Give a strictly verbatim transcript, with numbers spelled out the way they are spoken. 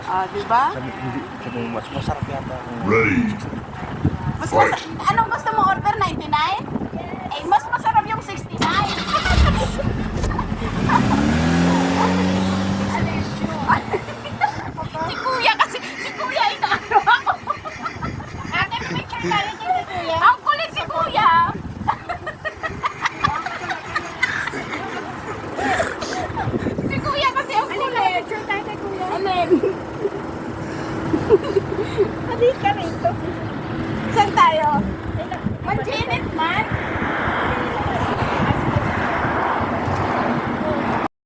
Ah, di ba? Sabi, hindi, sabi mo, mas masarap yata. Ready. Mas, mas, anong gusto mo order? ninety-nine? Eh, mas masarap yung sixty-nine. Si Kuya kasi, si Kuya inaano ako. Ate, picture tayo dito, kuya. Ang kulit si Kuya. Si Kuya kasi ang kulit. Picture tayo kay kuya. Alin? Halika rito. Saan tayo? Manginit man?